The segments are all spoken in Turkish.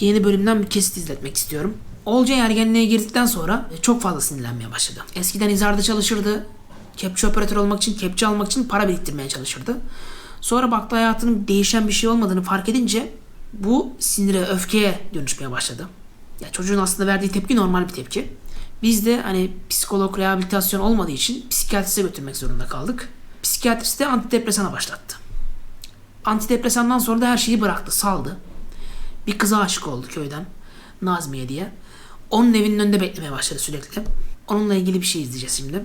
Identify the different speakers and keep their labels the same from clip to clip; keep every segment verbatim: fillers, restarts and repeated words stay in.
Speaker 1: yeni bölümden bir kesit izletmek istiyorum. Olcay ergenliğe girdikten sonra çok fazla sinirlenmeye başladı. Eskiden izarda çalışırdı. Kepçe operatör olmak için, kepçe almak için para biriktirmeye çalışırdı. Sonra baktı hayatının değişen bir şey olmadığını fark edince bu sinire, öfkeye dönüşmeye başladı. Ya çocuğun aslında verdiği tepki normal bir tepki. Biz de hani psikolog rehabilitasyon olmadığı için psikiyatriste götürmek zorunda kaldık. Psikiyatrist de antidepresana başlattı. Antidepresandan sonra da her şeyi bıraktı, saldı. Bir kıza aşık oldu köyden, Nazmiye diye. Onun evinin önünde beklemeye başladı sürekli. Onunla ilgili bir şey izleyeceğiz şimdi.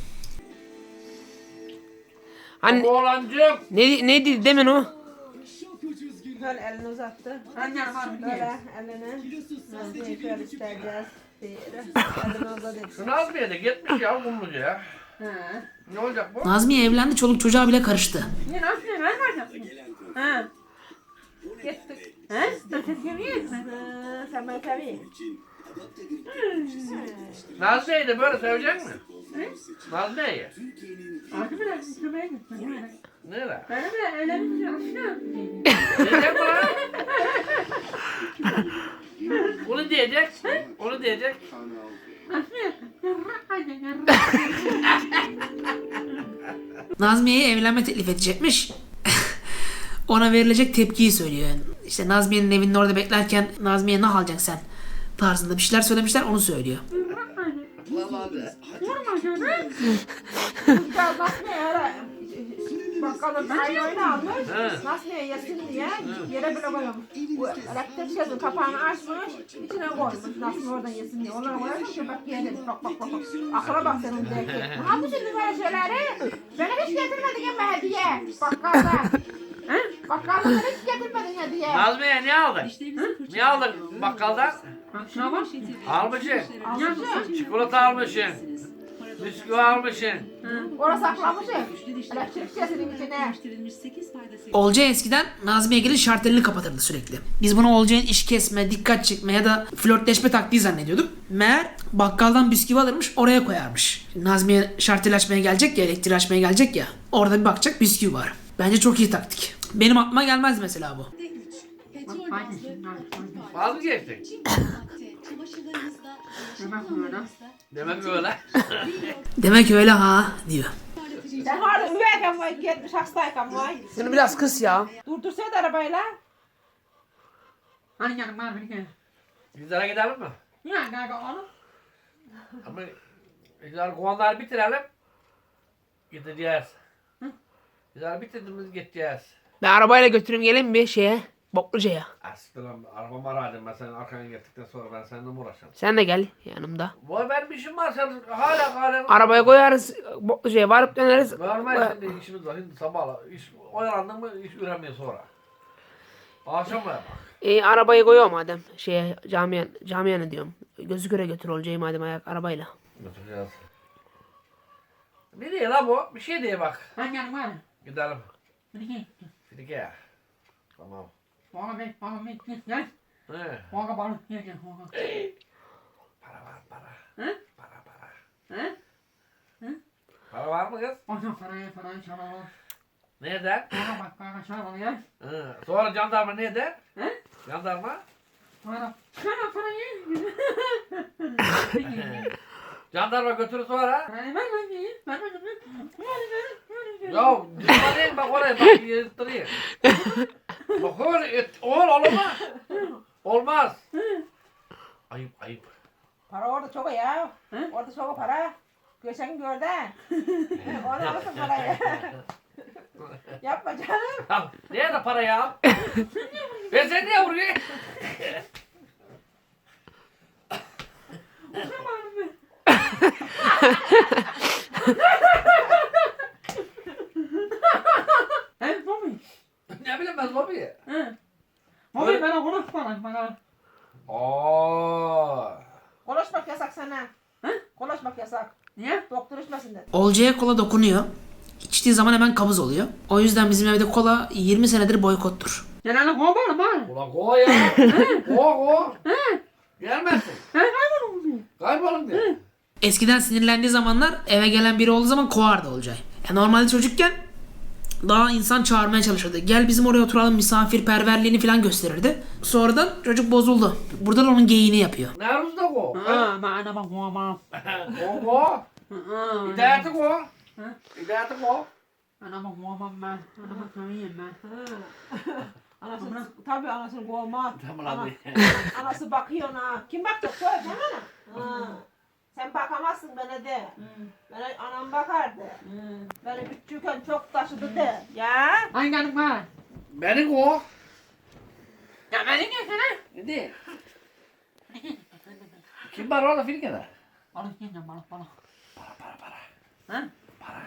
Speaker 2: Anne,
Speaker 3: Oğlancığım.
Speaker 2: ne, ne dedi demin o?
Speaker 4: Şöyle elini uzattı. Böyle elini. Nazmiye şöyle isteyeceğiz. Elini uzadı.
Speaker 3: Şu Nazmiye de gitmiş ya Kumluca'ya.
Speaker 4: Ha.
Speaker 3: Ne olacak bu?
Speaker 1: Nazmiye evlendi, çoluk çocuğa bile karıştı.
Speaker 4: Ne Nazmiye ben varacağım. Ha. Gittik. Ha? Sen seviyor musun? Ha, sen beni seviyorsun.
Speaker 3: Nazmiye'yi de böyle sevecek mi? Nazmiye'yi.
Speaker 4: Artık biraz istemeye gittim.
Speaker 3: Nereye?
Speaker 4: Ben de evlenmişim.
Speaker 3: Diyecek mi lan? Onu diyecek. Onu diyecek.
Speaker 1: Nazmiye'ye evlenme teklif edecekmiş. Ona verilecek tepkiyi söylüyor. Yani işte Nazmiye'nin evinin orada beklerken Nazmiye ne alacaksın sen tarzında bir şeyler söylemişler, onu söylüyor.
Speaker 4: Nazmiye ara. Bakkalın ayağını almış.
Speaker 3: He.
Speaker 4: Nazmiye yesin diye yere bile koymuş. Bu elektrik şeyinin kapağını açmış. İçine koymuş. Nazmiye oradan yesin diye. Onları koymuş. Bak yedim. Bak bak bak. Akıla bak senin belki. Ne yapmışsın böyle şeyleri? Beni hiç getirmedin ya hediye. Bakkalda. Bakkalda beni hiç getirmedin hediye.
Speaker 3: Nazmiye ne aldın? Ne aldın bakkaldan?
Speaker 4: Şuna bak.
Speaker 3: Almışsın.
Speaker 4: Almışsın.
Speaker 3: Çikolata almışsın. Bisküvi almışsın.
Speaker 4: Orası saklamışsın. Elektrik şeyinin içine.
Speaker 1: Olcay eskiden Nazmiye gelin şartelini kapatırdı sürekli. Biz bunu Olcay'ın iş kesme, dikkat çekme ya da flörtleşme taktiği zannediyorduk. Meğer bakkaldan bisküvi alırmış, oraya koyarmış. Nazmiye şartel açmaya gelecek ya, elektriği açmaya gelecek ya. Orada bir bakacak, bisküvi var. Bence çok iyi taktik. Benim aklıma gelmez mesela bu.
Speaker 3: Vaz mı geçtik? Demek öyle.
Speaker 1: Demek öyle ha diyor.
Speaker 4: Sen orada üveyken vay, gitmiş hastayken vay.
Speaker 2: Şunu biraz kıs ya.
Speaker 4: Durdursaydı arabayla.
Speaker 5: Hani yanım var beni gel.
Speaker 3: Bizlere gidelim mi?
Speaker 5: Ya kanka oğlum.
Speaker 3: Ama bizler kovanları bitirelim. Gideceğiz. Bizler bitirdiğimiz gideceğiz.
Speaker 2: Ben arabayla götüreyim gelin bir şeye. Bokluca'ya.
Speaker 3: Aslan arabamı aradım ben senin arkana gittikten sonra ben seninle mi uğraşacağım?
Speaker 2: Sen de gel yanımda.
Speaker 3: Vay benim işim var sen hala hala.
Speaker 2: Arabaya koyarız. Bokluca'ya varıp döneriz.
Speaker 3: Görmez şimdi işimiz var şimdi sabahla. İş oyalandın mı iş üremiyor sonra. Akşam mı?
Speaker 2: E, arabayı koyuyor madem. Şeye camiye, camiye ne diyorum. Gözü göre götür Olcay'ı madem ayak arabayla.
Speaker 3: Götüreceğiz. Ne diye la bu? Bir şey diye bak.
Speaker 5: Hani yanım var.
Speaker 3: Gidelim.
Speaker 5: Beni gel.
Speaker 3: Fidike. Tamam.
Speaker 5: Bana ver, bana ver. Gel, gel.
Speaker 3: He.
Speaker 5: Bana bana gel gel. Bana.
Speaker 3: Para var para.
Speaker 5: He?
Speaker 3: Para para.
Speaker 5: He?
Speaker 3: Para var mı kız?
Speaker 5: Bana parayı parayı çalalım.
Speaker 3: Nereden?
Speaker 5: Bana bak bana çalalım ya.
Speaker 3: Hı. Sonra jandarma ne der?
Speaker 5: He?
Speaker 3: Jandarma?
Speaker 5: Bana. Bana parayı.
Speaker 3: Jandarma götürür sonra.
Speaker 5: Parayı ver lan diye. Ver ver ver. Ver ver.
Speaker 3: Ya düşman değil bak oraya bak yırttırayım. Bak öyle et, oğul olmaz. Olmaz. Ayıp ayıp.
Speaker 4: Para orada çok ya. Orada çok para. Geçen gördün. Onu alırsın parayı. Yapma canım.
Speaker 3: Ya nerede para ya? Ben sen niye vuruyorsun?
Speaker 5: He Bobby.
Speaker 3: Ne bileyim ben lobi.
Speaker 5: He. Bobby bana konuş bana bana.
Speaker 3: Aa.
Speaker 4: Konuşmak yasak sana.
Speaker 5: He?
Speaker 4: Konuşmak yasak.
Speaker 5: Niye?
Speaker 4: Doktor içmesin dedi.
Speaker 1: Olcay'a kola dokunuyor. İçtiği zaman hemen kabız oluyor. O yüzden bizim evde kola yirmi senedir boykottur.
Speaker 5: Genelde kov bana bana.
Speaker 3: Ulan ko ya. Ko ko. Gelmezsin.
Speaker 5: He kaybolun.
Speaker 3: Kaybolun diye.
Speaker 1: Eskiden sinirlendiği zamanlar eve gelen biri olduğu zaman kovardı Olcay. Ya normalde çocukken daha insan çağırmaya çalışırdı. Gel bizim oraya oturalım, misafirperverliğini falan gösterirdi. Sonradan çocuk bozuldu. Burada da onun geyiğini yapıyor.
Speaker 3: Nerede o?
Speaker 5: Ha, mana bak mama.
Speaker 3: O o.
Speaker 5: Ha.
Speaker 3: İdayeti o. İdayeti o.
Speaker 5: Ana bak mama ben. Ana bak kamiyen ben.
Speaker 4: Anası, tabii anasını kovmaz.
Speaker 3: Tamam
Speaker 4: Ana-
Speaker 3: abi.
Speaker 4: Anası bakıyor ona. Kim bakacak? Söyle bana. Ha. Sen bakamazsın bana de. Bana anam bakardı. Beni küçükken çok taşıdı de. Ya.
Speaker 5: Hangi hanım var?
Speaker 3: Benim o.
Speaker 5: Ya ben ne sana?
Speaker 3: Ne değil. Kim var orada Filike'de?
Speaker 5: Balık yiyeceğim balık balık.
Speaker 3: Para para para.
Speaker 5: Ha?
Speaker 3: Para.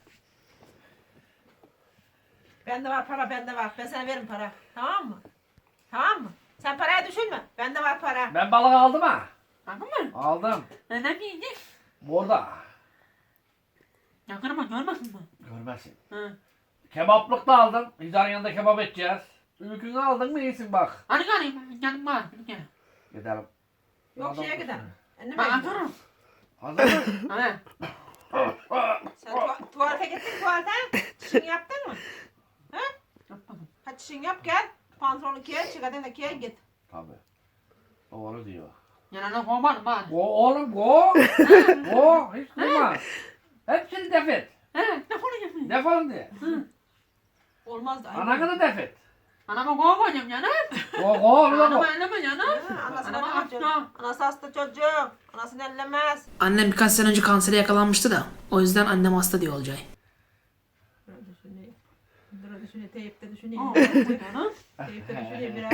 Speaker 4: Bende var para, bende var. Ben sana veririm para. Tamam mı? Tamam mı? Sen parayı düşünme. Bende var para.
Speaker 3: Ben balık aldım ha.
Speaker 5: Anladın mı?
Speaker 3: Aldım.
Speaker 5: Neden yiyecek?
Speaker 3: Burada.
Speaker 5: Yakın ama görmesin mi?
Speaker 3: Görmezsin.
Speaker 5: Hı.
Speaker 3: Kebaplık da aldım. Hizarın yanında kebap edeceğiz. Ülkünü aldın mı iyisin bak.
Speaker 5: Hadi gelin canım var. Gel.
Speaker 3: Gidelim.
Speaker 4: Yok
Speaker 3: Adam-
Speaker 4: şeye gidelim. Anneme
Speaker 5: Ben
Speaker 4: gidelim.
Speaker 5: atarım.
Speaker 3: Hazır mı?
Speaker 5: Hadi.
Speaker 4: Sen tu- tuvalete gittin tuvalete. Çişini yaptın mı? Ha?
Speaker 5: Yapmadım.
Speaker 4: Hadi çişini yap gel. Pantolonu giy, çıkardın da giy git.
Speaker 3: Tabii. Doğru diyor.
Speaker 5: Yanına kovmadım ben.
Speaker 3: Go oğlum go. Go. Hiç durma. Hepsini def et.
Speaker 5: He, ne konuşuyorsun?
Speaker 3: Defolun diye.
Speaker 4: Olmaz da.
Speaker 3: Ananı da def et.
Speaker 5: Anama kovmayacağım canım.
Speaker 3: Go go oğlum
Speaker 5: Anama
Speaker 3: go.
Speaker 5: elleme canım.
Speaker 4: Ha, Anasını
Speaker 5: Anama
Speaker 4: bakacak.
Speaker 5: hasta.
Speaker 4: Anası hasta çocuğum. Anasını ellemez.
Speaker 1: Annem birkaç sene önce kansere yakalanmıştı da. O yüzden annem hasta diyor Olcay.
Speaker 4: Dur düşüneyim. Dur düşüneyim. Teyipte düşüneyim.
Speaker 5: Aa, canım.
Speaker 4: Teyipte düşüneyim biraz.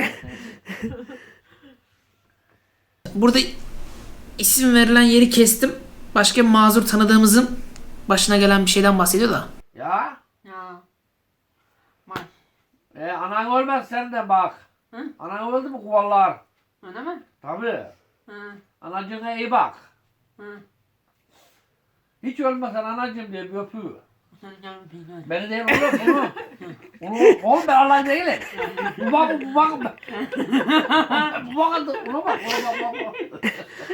Speaker 1: Burada isim verilen yeri kestim. Başka bir mazur tanıdığımızın başına gelen bir şeyden bahsediyor da.
Speaker 3: Ya.
Speaker 5: Ya. Var.
Speaker 3: E, anan ölmez sen de bak.
Speaker 5: Hı?
Speaker 3: Anan öldü mü kuvallar?
Speaker 5: Öyle mi?
Speaker 3: Tabii.
Speaker 5: Hı.
Speaker 3: Anacığına iyi bak.
Speaker 5: Hı.
Speaker 3: Hiç ölmesen anacığım diye bir öpüyor.
Speaker 5: Senin canım bilmiyorum.
Speaker 3: Beni değil onu onu. Onu oğlum ben Allah değilim. Bu bak bu bak. Bu bak ona bak ona bak bak. bak.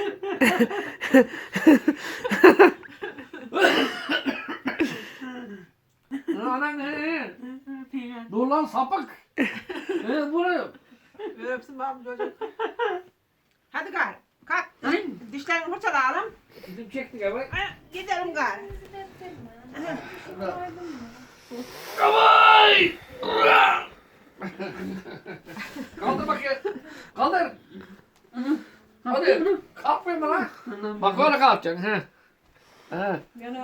Speaker 3: Anan ne? Dur lan sapık. Ne bu ne?
Speaker 4: Bir öpsün babam çocuk. Hadi gari. Kalk.
Speaker 5: Hı?
Speaker 4: Dişlerini fırçalayalım.
Speaker 3: Bizim çektik abi.
Speaker 4: Ha, gidelim gari.
Speaker 3: Kavay! Kaldır bakayım. Kaldır. Hadi. Kalkmayın lan. Bak böyle kalkacaksın. He. He.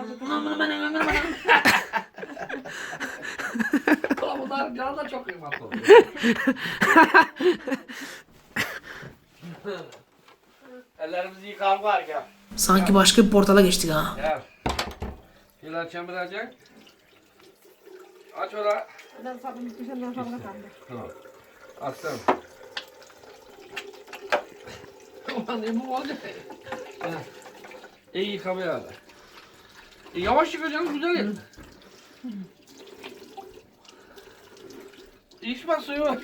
Speaker 3: Ulan bunlar canı da çok kıymetli oluyor. Ellerimizi yıkar var gel.
Speaker 1: Sanki başka bir portala geçtik ha.
Speaker 3: Gel. Şöyle açacağım birazcık. Aç orayı.
Speaker 4: Ben sabun, dışarıdan sabuna kaldı.
Speaker 3: Tamam. Açtım. Ulan ne bu olacak? Ha. İyi yıkamaya hadi. E, yavaş yıkacaksın güzel yık. İçme suyu.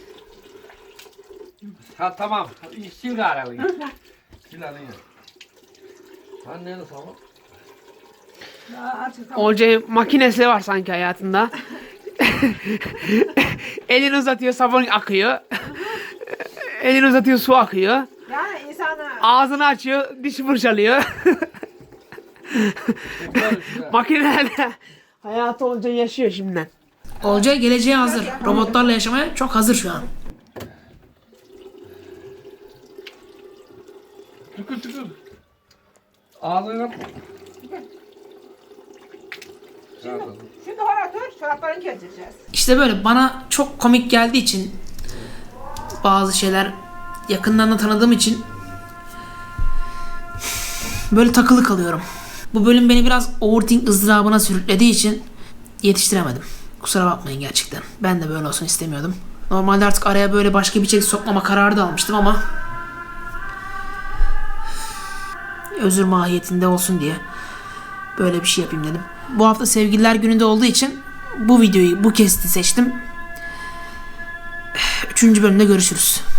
Speaker 3: Ha tamam. Sil gari elini. Sil elini. Anneni tamam.
Speaker 4: Ya aç tamam.
Speaker 2: Olcay makinesi var sanki hayatında. Elini uzatıyor sabun akıyor. Elini uzatıyor su akıyor.
Speaker 4: Yani insanı
Speaker 2: Ağzını açıyor diş fırçalıyor.
Speaker 3: Güzel güzel.
Speaker 2: Makinelerle hayatı Olcay yaşıyor şimdiden.
Speaker 1: Olcay geleceğe hazır. Robotlarla yaşamaya çok hazır şu an.
Speaker 3: Tükür tükür. Ağzını yap.
Speaker 4: şimdi oraya otur, çoraplarını keseceğiz.
Speaker 1: İşte böyle bana çok komik geldiği için bazı şeyler yakından da tanıdığım için böyle takılı kalıyorum. Bu bölüm beni biraz overthink ızdırabına sürüklediği için yetiştiremedim. Kusura bakmayın gerçekten. Ben de böyle olsun istemiyordum. Normalde artık araya böyle başka bir içerik sokmama kararı da almıştım ama özür mahiyetinde olsun diye böyle bir şey yapayım dedim. Bu hafta Sevgililer Günü'nde olduğu için bu videoyu, bu kesti seçtim. Üçüncü bölümde görüşürüz.